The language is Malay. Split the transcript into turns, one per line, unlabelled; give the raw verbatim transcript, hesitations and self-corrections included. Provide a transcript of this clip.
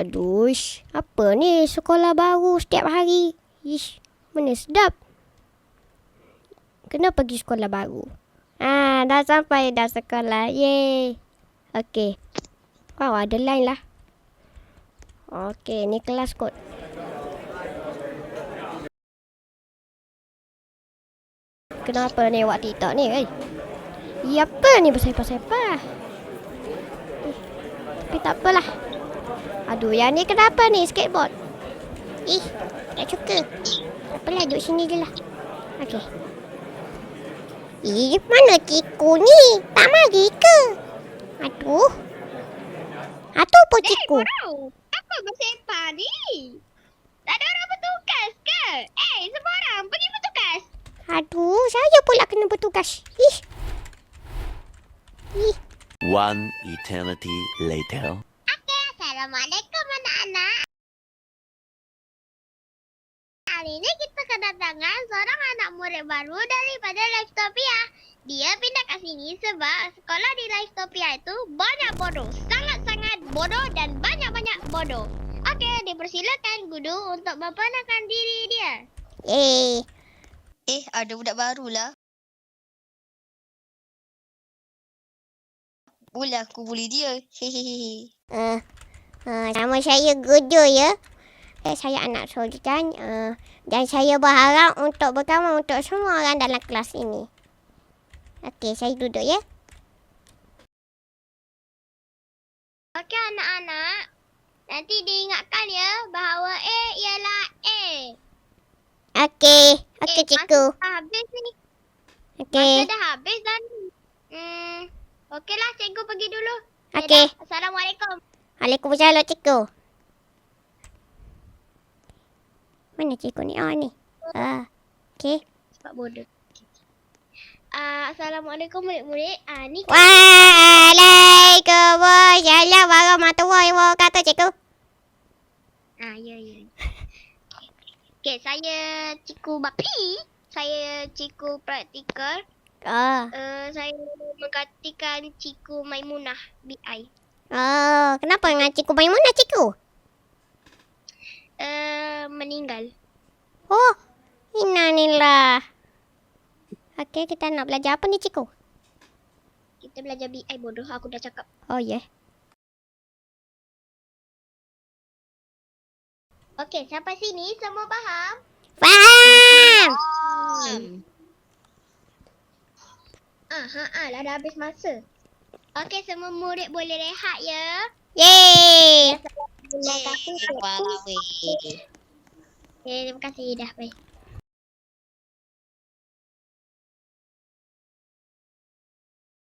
Aduh, ish. Apa ni sekolah baru setiap hari? Ish, mana sedap. Kena pergi sekolah baru. Ah, dah sampai dah sekolah. Yeay. Okey. Wow, ada line lah. Okey, ni kelas kot. Kenapa ni awak TikTok ni, eh? Ya apa ni bersepah-sepah? Eh, tapi tak apalah. Aduh, yang ni kenapa ni skateboard? Ih, tak suka. Apalah, duduk sini je lah. Okey. Ih, mana ciku ni? Tak mari ke? Aduh. Aduh, apa ciku?
Eh, Bro, apa bersepah ni? Tak ada orang bertugas ke? Eh, semua orang pergi bertugas.
Aduh, saya pula kena bertugas. Ih. Ih.
One eternity later.
Okay, Assalamualaikum anak-anak. Hari ini kita kedatangan seorang anak murid baru daripada Livetopia. Dia pindah ke sini sebab sekolah di Livetopia itu banyak bodoh. Sangat-sangat bodoh dan banyak-banyak bodoh. Okey, dipersilakan guru untuk memperkenalkan diri dia.
Eh.
Eh, ada budak baru lah. Boleh aku bully dia. Hehehe.
Uh, uh, nama saya Gudu ya. Eh, saya anak Sultan. Uh, dan saya berharap untuk berkawan untuk semua orang dalam kelas ini. Okey, saya duduk ya.
Okey anak-anak. Nanti diingatkan ya bahawa A ialah A.
Okey. Okey,
Eh,
cikgu.
masa dah habis ni.
Okey.
Masa dah habis dan hmm, okeylah cikgu pergi dulu.
Okey.
Dadah. Assalamualaikum.
Waalaikumsalam, cikgu. Mana cikgu ni? Oh, ni. Ah. Okey.
Sebab bodoh. Uh, Assalamualaikum murid-murid. Ah, ni
Waalaikumsalam warahmatullahi wabarakatuh, cikgu.
Ah, ya, ya. Okey, saya Cikgu Bapi. Saya Cikgu Praktikal.
Oh.
Uh, saya menggantikan Cikgu Maimunah B I.
Oh, kenapa dengan cikgu Maimunah, cikgu?
Uh, meninggal.
Oh, innalillah. Okey, kita nak belajar apa ni, cikgu?
Kita belajar B I bodoh. Aku dah cakap.
Oh, ya. Yeah.
Okey, sampai sini semua faham?
Faham!
Hmm. Ah, ha, ah, lah dah habis masa. Okey, semua murid boleh rehat ya.
Yeay!
Terima kasih.
Walau weh.
Okay, terima kasih. Dah, bye.